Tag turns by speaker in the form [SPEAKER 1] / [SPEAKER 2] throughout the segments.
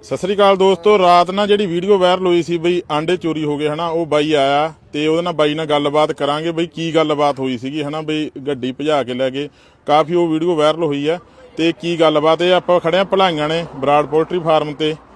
[SPEAKER 1] ਸਤਿ ਸ੍ਰੀ ਅਕਾਲ ਦੋਸਤੋ। ਰਾਤ ਨਾਲ ਜਿਹੜੀ ਵੀਡੀਓ ਵਾਇਰਲ ਹੋਈ ਸੀ ਬਈ ਆਂਡੇ ਚੋਰੀ ਹੋ ਗਏ ਹਨਾ, ਉਹ ਬਾਈ ਆਇਆ ਤੇ ਉਹਦੇ ਨਾਲ ਬਾਈ ਨਾਲ ਗੱਲਬਾਤ ਕਰਾਂਗੇ ਬਈ ਕੀ ਗੱਲਬਾਤ ਹੋਈ ਸੀਗੀ ਹਨਾ। ਬਈ ਗੱਡੀ ਭਜਾ ਕੇ ਲੈ ਗਏ, ਕਾਫੀ ਉਹ ਵੀਡੀਓ ਵਾਇਰਲ ਹੋਈ ਆ ਤੇ ਕੀ ਗੱਲਬਾਤ ਇਹ ਆਪਾਂ ਖੜੇ ਆ ਭਲਾਈਆਂ ਨੇ ਬਰਾੜ ਪੋਲਟਰੀ ਫਾਰਮ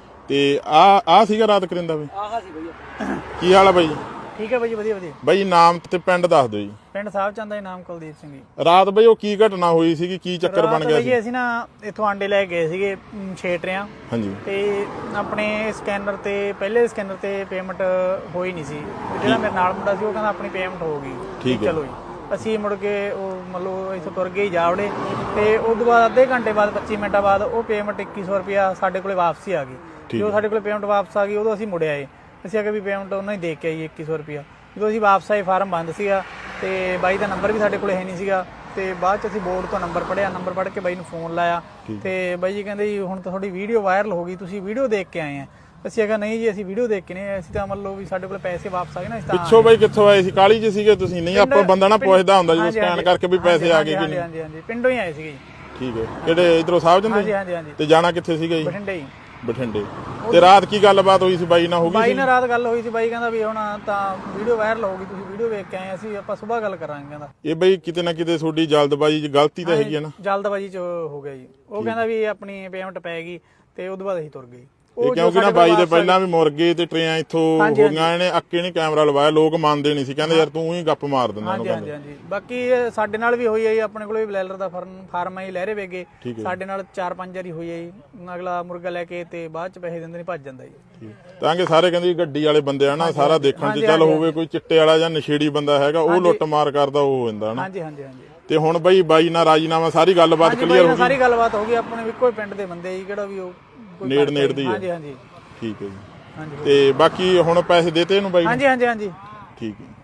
[SPEAKER 1] ਤੇ ਆ ਸੀਗਾ ਰਾਤ ਕਰਿੰਦਾ ਬਈ।
[SPEAKER 2] ਆਹਾ ਸੀ ਬਈ।
[SPEAKER 1] ਕੀ ਹਾਲ ਆ ਬਾਈ?
[SPEAKER 2] ਠੀਕ ਹੈ ਬਾਈ, ਵਧੀਆ ਵਧੀਆ।
[SPEAKER 1] ਬਾਈ ਨਾਮ ਤੇ ਪਿੰਡ ਦੱਸ ਦਿਓ ਜੀ।
[SPEAKER 2] ਪਿੰਡ ਸਾਹਿਬ ਚੰਦ ਦਾ ਨਾਮ ਕੁਲਦੀਪ ਸਿੰਘ ਜੀ।
[SPEAKER 1] ਰਾਤ ਬਈ ਉਹ ਕੀ ਘਟਨਾ ਹੋਈ ਸੀਗੀ, ਕੀ ਚੱਕਰ ਬਣ ਗਿਆ ਸੀ?
[SPEAKER 2] ਅਸੀਂ ਨਾ ਇੱਥੋਂ ਆਂਡੇ ਲੈ ਗਏ ਸੀਗੇ 6 ਟਰਿਆਂ।
[SPEAKER 1] ਹਾਂਜੀ।
[SPEAKER 2] ਤੇ ਆਪਣੇ ਸਕੈਨਰ ਤੇ ਪਹਿਲੇ ਸਕੈਨਰ ਤੇ ਪੇਮੈਂਟ ਹੋਈ ਨਹੀਂ ਸੀ। ਜਿਹੜਾ ਮੇਰੇ ਨਾਲ ਮੁੰਡਾ ਸੀ ਉਹ ਕਹਿੰਦਾ ਆਪਣੀ ਪੇਮੈਂਟ ਹੋ ਗਈ।
[SPEAKER 1] ਠੀਕ ਹੈ।
[SPEAKER 2] ਚਲੋ ਜੀ ਅਸੀਂ ਮੁੜ ਕੇ ਉਹ ਮਤਲਬ ਇੱਥੋਂ ਤੁਰ ਗਏ ਜਾਵੜੇ ਤੇ ਉਸ ਤੋਂ ਬਾਅਦ ਅੱਧੇ ਘੰਟੇ ਬਾਅਦ 25 ਮਿੰਟਾਂ ਬਾਅਦ ਉਹ ਪੇਮੈਂਟ 2100 ਰੁਪਇਆ ਸਾਡੇ ਕੋਲੇ ਵਾਪਸੀ ਆ ਗਈ। ਜਦੋਂ ਸਾਡੇ ਕੋਲੇ ਪੇਮੈਂਟ ਵਾਪਸ ਆ ਗਈ ਉਦੋਂ ਅਸੀਂ ਮੁੜ ਆਏ। ਅਸੀਂ ਆ ਕੇ ਵੀ ਪੇਮੈਂਟ ਉਹਨਾਂ ਹੀ ਦੇ ਕੇ ਆਈ 2100 ਰੁਪਇਆ। ਜਦੋਂ ਅਸੀਂ ਵਾਪਸ ਆਏ ਫਾਰਮ ਬੰਦ ਸੀਗਾ ਤੇ ਬਾਈ ਦਾ ਨੰਬਰ ਵੀ ਸਾਡੇ ਕੋਲੇ ਹੈ ਨਹੀਂ ਸੀਗਾ। ਤੇ ਬਾਅਦ ਚ ਅਸੀਂ ਬੋਰਡ ਤੋਂ ਨੰਬਰ ਪੜਿਆ, ਨੰਬਰ ਪੜ੍ਹ ਕੇ ਬਾਈ ਨੂੰ ਫੋਨ ਲਾਇਆ ਤੇ ਬਾਈ ਜੀ ਕਹਿੰਦੇ ਜੀ ਹੁਣ ਤਾਂ ਤੁਹਾਡੀ ਵੀਡੀਓ ਵਾਇਰਲ ਹੋ ਗਈ, ਤੁਸੀਂ ਵੀਡੀਓ ਦੇਖ ਕੇ ਆਏ ਆ। ਅਸੀਂ ਕਿਹਾ ਨਹੀਂ ਜੀ ਅਸੀਂ ਵੀਡੀਓ ਦੇਖ ਕੇ ਨਹੀਂ, ਅਸੀਂ ਤਾਂ ਮੰਨ ਲਓ ਵੀ ਸਾਡੇ ਕੋਲ ਪੈਸੇ ਵਾਪਸ ਆ ਗਏ ਨਾ। ਇਸ
[SPEAKER 1] ਪਿੱਛੋਂ ਬਾਈ ਕਿੱਥੋਂ ਆਏ ਸੀ? ਕਾਲੀ ਚ ਸੀਗੇ ਤੁਸੀਂ? ਨਹੀਂ ਆਪਾਂ ਬੰਦਾ ਨਾ ਪੁੱਛਦਾ ਹੁੰਦਾ ਜਦੋਂ ਸਕੈਨ ਕਰਕੇ ਵੀ ਪੈਸੇ ਆ ਗਏ ਕਿ ਨਹੀਂ।
[SPEAKER 2] ਹਾਂਜੀ ਹਾਂਜੀ ਪਿੰਡੋਂ ਹੀ ਆਏ ਸੀਗੇ ਜੀ।
[SPEAKER 1] ਠੀਕ ਹੈ। ਕਿਹੜੇ ਇਧਰੋਂ ਸਾਹਿਬ ਜੰਦੇ?
[SPEAKER 2] ਹਾਂਜੀ ਹਾਂਜੀ ਹਾਂਜੀ।
[SPEAKER 1] ਤੇ ਜਾਣਾ ਕਿੱਥੇ ਸੀਗਾ ਜੀ?
[SPEAKER 2] ਬਠਿੰਡੇ ਜੀ।
[SPEAKER 1] ਬਠਿੰਡੇ। ਤੇ ਰਾਤ ਕੀ ਗੱਲਬਾਤ ਹੋਈ ਸੀ ਬਾਈ ਨਾਲ? ਹੋ ਗਈ
[SPEAKER 2] ਬਾਈ ਨਾਲ ਰਾਤ ਗੱਲ ਹੋਈ ਸੀ। ਬਾਈ ਕਹਿੰਦਾ ਵੀ ਹੁਣ ਤਾਂ ਵੀਡੀਓ ਵਾਇਰਲ ਹੋ ਗਈ, ਤੁਸੀਂ ਵੀਡੀਓ ਵੇਖ ਕੇ ਆਏ, ਅਸੀਂ ਆਪਾਂ ਸਵੇਰ ਗੱਲ ਕਰਾਂਗੇ। ਕਹਿੰਦਾ
[SPEAKER 1] ਇਹ ਬਾਈ ਕਿਤੇ ਨਾ ਕਿਤੇ ਤੁਹਾਡੀ ਜਲਦਬਾਜ਼ੀ ਚ ਗਲਤੀ ਤਾਂ ਹੈਗੀ ਹੈ ਨਾ?
[SPEAKER 2] ਜਲਦਬਾਜ਼ੀ ਚ ਹੋ ਗਿਆ ਜੀ। ਉਹ ਕਹਿੰਦਾ ਵੀ ਆਪਣੀ ਪੇਮੈਂਟ ਪੈ ਗਈ ਤੇ ਉਦੋਂ ਬਾਅਦ ਅਸੀਂ ਤੁਰ ਗਏ।
[SPEAKER 1] ਇਹ ਕਿਉਂਕਿ ਨਾ ਬਾਈ ਦੇ ਪਹਿਲਾਂ ਵੀ ਮੁਰਗੇ ਤੇ ਟਰੇਆਂ ਇੱਥੋਂ ਹੋ ਗਈਆਂ, ਇਹਨੇ ਅੱਕੇ ਨਹੀਂ ਕੈਮਰਾ ਲਵਾਇਆ, ਲੋਕ ਮੰਨਦੇ ਨਹੀਂ ਸੀ, ਕਹਿੰਦੇ ਯਾਰ ਤੂੰ ਹੀ ਗੱਪ ਮਾਰ ਦਿੰਦਾ।
[SPEAKER 2] ਹਾਂਜੀ ਹਾਂਜੀ ਹਾਂਜੀ। ਬਾਕੀ ਸਾਡੇ ਨਾਲ ਵੀ ਹੋਈ ਹੈ ਜੀ, ਆਪਣੇ ਕੋਲ ਵੀ ਬਲੈਲਰ ਦਾ ਫਾਰਮ ਹੈ ਜੀ, ਲਹਿਰੇ ਵੇਗੇ। ਸਾਡੇ ਨਾਲ 4-5 ਵਾਰੀ ਹੋਈ ਹੈ ਜੀ। ਅਗਲਾ ਮੁਰਗਾ ਲੈ ਕੇ ਤੇ ਬਾਅਦ ਚ ਪੈਸੇ ਦਿੰਦੇ ਨਹੀਂ, ਭੱਜ ਜਾਂਦਾ ਜੀ।
[SPEAKER 1] ਤਾਂ ਕਿ ਸਾਰੇ ਕਹਿੰਦੇ ਗੱਡੀ ਵਾਲੇ ਬੰਦੇ ਆ ਨਾ, ਸਾਰਾ ਦੇਖਣ ਚ ਚੱਲ ਹੋਵੇ ਕੋਈ ਚਿੱਟੇ ਵਾਲਾ ਜਾਂ ਨਸ਼ੇੜੀ ਬੰਦਾ ਹੈਗਾ, ਉਹ ਲੁੱਟ ਮਾਰ ਕਰਦਾ ਉਹ ਹੋ ਜਾਂਦਾ ਨਾ।
[SPEAKER 2] ਹਾਂਜੀ ਹਾਂਜੀ ਹਾਂਜੀ।
[SPEAKER 1] ਤੇ ਹੁਣ ਬਾਈ ਨਾਲ ਰਾਜੀਨਾਮਾ ਸਾਰੀ ਗੱਲਬਾਤ ਕਲੀਅਰ ਹੋ ਗਈ?
[SPEAKER 2] ਸਾਰੀ ਗੱਲਬਾਤ ਹੋ ਗਈ। ਆਪਣੇ ਇੱਕੋ ਹੀ ਪਿੰਡ ਦੇ ਬੰਦੇ ਜੀ, ਕਿਹੜਾ ਵੀ ਉਹ
[SPEAKER 1] ਨੇੜ ਦੀ।
[SPEAKER 2] ਹਾਂਜੀ ਹਾਂਜੀ।
[SPEAKER 1] ਠੀਕ ਹੈ ਜੀ। ਤੇ ਬਾਕੀ ਹੁਣ ਪੈਸੇ ਦੇਤੇ ਇਹਨੂੰ ਬਾਈ?
[SPEAKER 2] ਹਾਂਜੀ ਹਾਂਜੀ ਹਾਂਜੀ।
[SPEAKER 1] ਠੀਕ ਹੈ।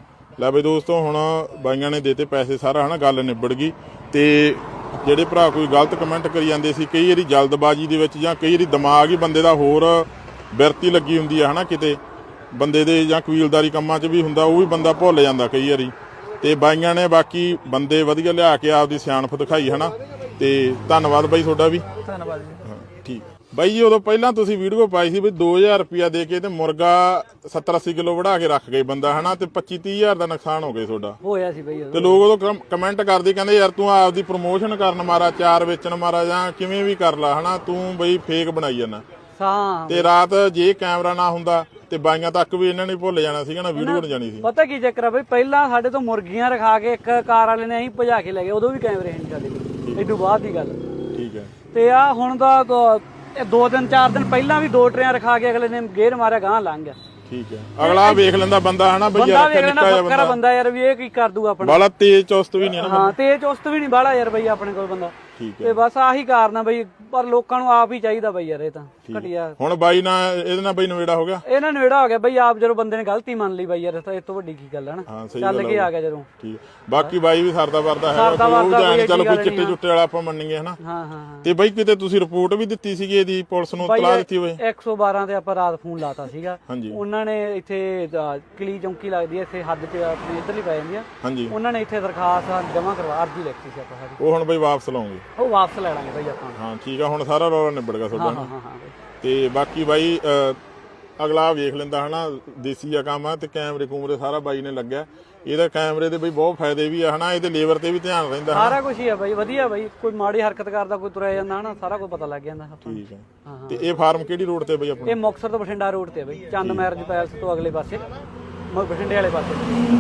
[SPEAKER 1] ਲੈ ਬਈ ਦੋਸਤੋ ਹੁਣ ਬਾਈਆਂ ਨੇ ਦੇਤੇ ਪੈਸੇ, ਸਾਰਾ ਹਨਾ ਗੱਲ ਨਿਬੜ ਗਈ। ਤੇ ਜਿਹੜੇ ਭਰਾ ਕੋਈ ਗਲਤ ਕਮੈਂਟ ਕਰੀ ਜਾਂਦੇ ਸੀ, ਕਈ ਵਾਰੀ ਜਲਦਬਾਜ਼ੀ ਦੇ ਵਿੱਚ ਜਾਂ ਕਈ ਵਾਰੀ ਦਿਮਾਗ ਹੀ ਬੰਦੇ ਦਾ ਹੋਰ ਬਿਰਤੀ ਲੱਗੀ ਹੁੰਦੀ ਆ ਹਨਾ, ਕਿਤੇ ਬੰਦੇ ਦੇ ਜਾਂ ਕਬੀਲਦਾਰੀ ਕੰਮਾਂ 'ਚ ਵੀ ਹੁੰਦਾ, ਉਹ ਵੀ ਬੰਦਾ ਭੁੱਲ ਜਾਂਦਾ ਕਈ ਵਾਰੀ। ਤੇ ਬਾਈਆਂ ਨੇ ਬਾਕੀ ਬੰਦੇ ਵਧੀਆ ਲਿਆ ਕੇ ਆਪਦੀ ਸਿਆਣਪ ਦਿਖਾਈ ਹਨਾ। ਤੇ ਧੰਨਵਾਦ ਬਾਈ ਤੁਹਾਡਾ ਵੀ।
[SPEAKER 2] ਧੰਨਵਾਦ ਜੀ।
[SPEAKER 1] ਠੀਕ ਬਾਈ ਜੀ। ਉਦੋਂ ਪਹਿਲਾਂ ਤੁਸੀਂ ਵੀਡੀਓ ਪਾਈ ਸੀ ਵੀ 2000 ਰੁਪਇਆ ਦੇ ਕੇ ਤੇ ਮੁਰਗਾ 70-80 ਕਿਲੋ ਵੜਾ ਕੇ ਰੱਖ ਗਏ ਬੰਦਾ ਹਨਾ, ਤੇ 25-30 ਹਜ਼ਾਰ ਦਾ ਨੁਕਸਾਨ ਹੋ ਗਿਆ ਤੁਹਾਡਾ।
[SPEAKER 2] ਹੋਇਆ ਸੀ ਬਾਈ।
[SPEAKER 1] ਤੇ ਲੋਕ ਉਦੋਂ ਕਮੈਂਟ ਕਰਦੇ, ਕਹਿੰਦੇ ਯਾਰ ਤੂੰ ਆਪਦੀ ਪ੍ਰਮੋਸ਼ਨ ਕਰਨ ਮਾਰਾ, ਚਾਰ ਵੇਚਣ ਮਾਰਾ, ਜਾਂ ਕਿਵੇਂ ਵੀ ਕਰ ਲਾ ਹਨਾ, ਤੂੰ ਬਈ ਫੇਕ ਬਣਾਈ ਜਾਂਦਾ।
[SPEAKER 2] ਤੇ
[SPEAKER 1] ਰਾਤ ਜੇ ਕੈਮਰਾ ਨਾ ਹੁੰਦਾ ਤੇ ਬਾਈਆਂ ਤੱਕ ਵੀ ਇਹਨਾਂ ਨੇ ਭੁੱਲ ਜਾਣਾ ਸੀਗਾ ਨਾ, ਵੀਡੀਓ ਬਣ ਜਾਣੀ ਸੀ।
[SPEAKER 3] ਪਤਾ ਕੀ ਚੱਕਰ ਆ ਬਈ, ਪਹਿਲਾਂ ਸਾਡੇ ਤੋਂ ਮੁਰਗੀਆਂ ਰਖਾ ਕੇ ਇੱਕ ਕਾਰ ਵਾਲੇ ਨੇ ਅਸੀਂ ਭਜਾ ਕੇ ਲੈ ਗਏ, ਉਦੋਂ ਵੀ ਕੈਮਰੇ ਨਹੀਂ ਸਾਡੇ ਕੋਲ, ਏਡੂ ਬਾਅਦ ਦੀ ਗੱਲ।
[SPEAKER 1] ਠੀਕ ਹੈ।
[SPEAKER 3] ਤੇ ਆ ਹੁਣ ਦਾ 2 ਦਿਨ 4 ਦਿਨ ਪਹਿਲਾਂ ਵੀ 2 ਟਰੇਆਂ ਰਖਾ ਕੇ ਅਗਲੇ ਨੇ ਗੇਰ ਮਾਰਿਆ, ਗਾਂ ਲੰਘ ਗਿਆ।
[SPEAKER 1] ਠੀਕ ਹੈ। ਅਗਲਾ ਵੇਖ ਲੈਂਦਾ ਬੰਦਾ ਹਨਾ ਬਈ,
[SPEAKER 3] ਬੰਦਾ ਵੇਖ ਲੈਂਦਾ ਬੱਕਰਾ ਬੰਦਾ ਯਾਰ, ਵੀ ਇਹ ਕੀ ਕਰ ਦੂਗਾ ਆਪਣਾ।
[SPEAKER 1] ਬਾਲਾ ਤੇਜ਼ ਚੁਸਤ ਵੀ ਨਹੀਂ ਨਾ।
[SPEAKER 3] ਹਾਂ ਤੇਜ਼ ਚੁਸਤ ਵੀ ਨਹੀਂ ਬਾਲਾ ਯਾਰ ਬਈ ਆਪਣੇ ਕੋਲ ਬੰਦਾ।
[SPEAKER 1] ਠੀਕ ਹੈ।
[SPEAKER 3] ਤੇ ਬਸ ਆਹੀ ਕਾਰਨ ਆ ਬਈ, ਪਰ ਲੋਕਾਂ ਨੂੰ ਆਪ ਹੀ ਚਾਹੀਦਾ ਬਈ ਯਾਰ, ਇਹ ਤਾਂ ਘਟਿਆ।
[SPEAKER 1] ਹੁਣ ਬਾਈ ਨਾਲ ਇਹਦੇ ਨਾਲ ਬਈ ਨਵੇੜਾ ਹੋ ਗਿਆ?
[SPEAKER 3] ਇਹਨਾਂ ਨੇੜਾ ਹੋ ਗਿਆ ਬਈ, ਆਪ ਜਦੋਂ ਬੰਦੇ ਨੇ ਗਲਤੀ ਮੰਨ ਲਈ ਬਈ ਯਾਰ, ਤਾਂ ਇਸ ਤੋਂ ਵੱਡੀ ਕੀ ਗੱਲ ਹੈ ਨਾ। ਚੱਲ ਕੇ ਆ ਗਿਆ ਜਦੋਂ।
[SPEAKER 1] ਠੀਕ। ਬਾਕੀ ਬਾਈ ਵੀ ਸਰਦਾ ਵਰਦਾ ਹੈ, ਚਲੋ ਕੋਈ ਚਿੱਟੇ ਚੁੱਟੇ ਵਾਲਾ ਆਪਾਂ ਮੰਨੀਏ ਹਨਾ।
[SPEAKER 3] ਹਾਂ ਹਾਂ।
[SPEAKER 1] ਤੇ ਬਾਈ ਕਿਤੇ ਤੁਸੀਂ ਰਿਪੋਰਟ ਵੀ ਦਿੱਤੀ ਸੀਗੀ ਇਹਦੀ, ਪੁਲਿਸ ਨੂੰ ਇਤਲਾਹ ਦਿੱਤੀ ਹੋਵੇ?
[SPEAKER 3] 112 ਤੇ ਆਪਾਂ ਰਾਤ ਫੋਨ ਲਾਤਾ ਸੀਗਾ।
[SPEAKER 1] ਹਾਂਜੀ।
[SPEAKER 3] ਉਹਨਾਂ ਨੇ ਇੱਥੇ ਕਲੀ ਚੌਂਕੀ ਲੱਗਦੀ ਹੈ ਇੱਥੇ ਹੱਦ 'ਚ ਆਪਣੀ ਇੱਧਰਲੀ ਪੈ ਜਾਂਦੀ ਆ।
[SPEAKER 1] ਹਾਂਜੀ।
[SPEAKER 3] ਉਹਨਾਂ ਨੇ ਇੱਥੇ ਦਰਖਾਸਤ ਜਮ੍ਹਾਂ ਕਰਵਾ, ਅਰਜੀ ਲਿਖਤੀ ਸੀ ਆਪਾਂ ਸਾਡੀ।
[SPEAKER 1] ਉਹ ਹੁਣ ਬਾਈ ਵਾਪਸ ਲਾਉਂਗੇ?
[SPEAKER 3] ਉਹ ਵਾਪਸ ਲੈ ਲਾਂਗੇ ਬਾਈ ਆਪਾਂ।
[SPEAKER 1] ਹਾਂ ਠੀਕ ਆ। ਹੁਣ ਸਾਰਾ ਰੌਲਾ ਨਿਬੜ ਗਿਆ ਤੁਹਾਡਾ।
[SPEAKER 3] ਹਾਂ ਹਾਂ ਹਾਂ।
[SPEAKER 1] ਤੇ ਬਾਕੀ ਬਾਈ ਅਗਲਾ ਵੇਖ ਲੈਂਦਾ ਹਨਾ, ਦੇਸੀ ਆ ਕੰਮ ਆ। ਤੇ ਕੈਮਰੇ ਕੂਮਰੇ ਸਾਰਾ ਬਾਈ ਨੇ ਲੱਗਿਆ। ਇਹਦਾ ਕੈਮਰੇ ਦੇ ਬਈ ਬਹੁਤ ਫਾਇਦੇ ਵੀ ਆ ਹਨਾ, ਇਹਦੇ ਲੇਬਰ ਤੇ ਵੀ ਧਿਆਨ ਰਹਿੰਦਾ।
[SPEAKER 3] ਸਾਰਾ ਕੁਝ ਹੀ ਆ ਬਾਈ, ਵਧੀਆ ਬਾਈ। ਕੋਈ ਮਾੜੀ ਹਰਕਤ ਕਰਦਾ, ਕੋਈ ਤੁਰਿਆ ਜਾਂਦਾ ਹਨਾ, ਸਾਰਾ ਕੁਝ ਪਤਾ ਲੱਗ ਜਾਂਦਾ।
[SPEAKER 1] ਠੀਕ ਹੈ। ਤੇ ਇਹ ਫਾਰਮ ਕਿਹੜੀ ਰੋਡ ਤੇ ਬਈ ਆਪਣਾ?
[SPEAKER 3] ਇਹ ਮੁਕਤਸਰ ਤੋਂ ਬਠਿੰਡਾ ਰੋਡ ਤੇ ਬਈ, ਚੰਦ ਮੈਰਿਜ ਪੈਲਸ ਤੋਂ ਅਗਲੇ ਪਾਸੇ, ਬਠਿੰਡੇ ਵਾਲੇ ਪਾਸੇ।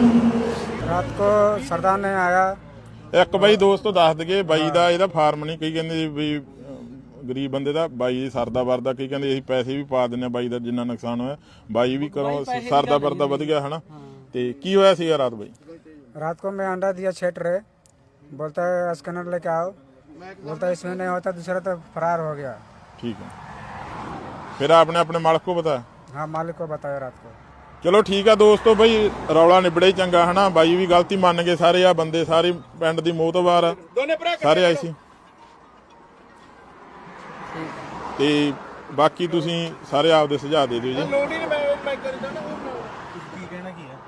[SPEAKER 2] ਰਾਤ ਕੋ ਸਰਦਾਰ ਨੇ ਆਇਆ।
[SPEAKER 1] ਇੱਕ ਬਾਈ ਦੋਸਤੋ ਦੱਸ ਦਈਏ, ਬਾਈ ਦਾ ਇਹਦਾ ਫਾਰਮ ਨਹੀਂ, ਕਈ ਕਹਿੰਦੇ ਵੀ ਗਰੀਬ ਬੰਦੇ ਦਾ, ਬਾਈ ਸਰਦਾ ਵਰਦਾ, ਕਈ ਕਹਿੰਦੇ ਅਸੀਂ ਪੈਸੇ ਵੀ ਪਾ ਦਿੰਦੇ ਆ ਬਾਈ ਦਾ ਜਿੰਨਾ ਨੁਕਸਾਨ ਹੋਇਆ। ਬਾਈ ਵੀ ਕਰੋ ਸਰਦਾ ਵਰਦਾ ਵਧ ਗਿਆ ਹਨਾ। ਤੇ ਕੀ ਹੋਇਆ ਸੀਗਾ ਰਾਤ ਬਾਈ?
[SPEAKER 2] रात को मैं अंडा दिया 6 ट्रे, बोलता है स्कैनर लेके आओ, बोलता है इसमें नहीं होता, दूसरा तो फरार हो गया।
[SPEAKER 1] ठीक है। फिर आपने अपने मालिक को बताया?
[SPEAKER 2] हाँ मालिक को बताया रात को।
[SPEAKER 1] ਚਲੋ ਠੀਕ ਆ ਦੋਸਤੋ, ਬਈ ਰੌਲਾ ਨਿਬੜੇ ਹੀ ਚੰਗਾ ਹਨਾ। ਬਾਈ ਵੀ ਗਲਤੀ ਮੰਨ ਗਏ ਸਾਰੇ, ਆ ਬੰਦੇ ਸਾਰੇ ਪਿੰਡ ਦੀ ਮੋਹਤਬਾਰ ਸਾਰੇ ਆਏ ਸੀ। ਤੇ ਬਾਕੀ ਤੁਸੀਂ ਸਾਰੇ ਆਪਦੇ ਸੁਝਾਅ ਦੇ ਦਿਓ ਜੀ।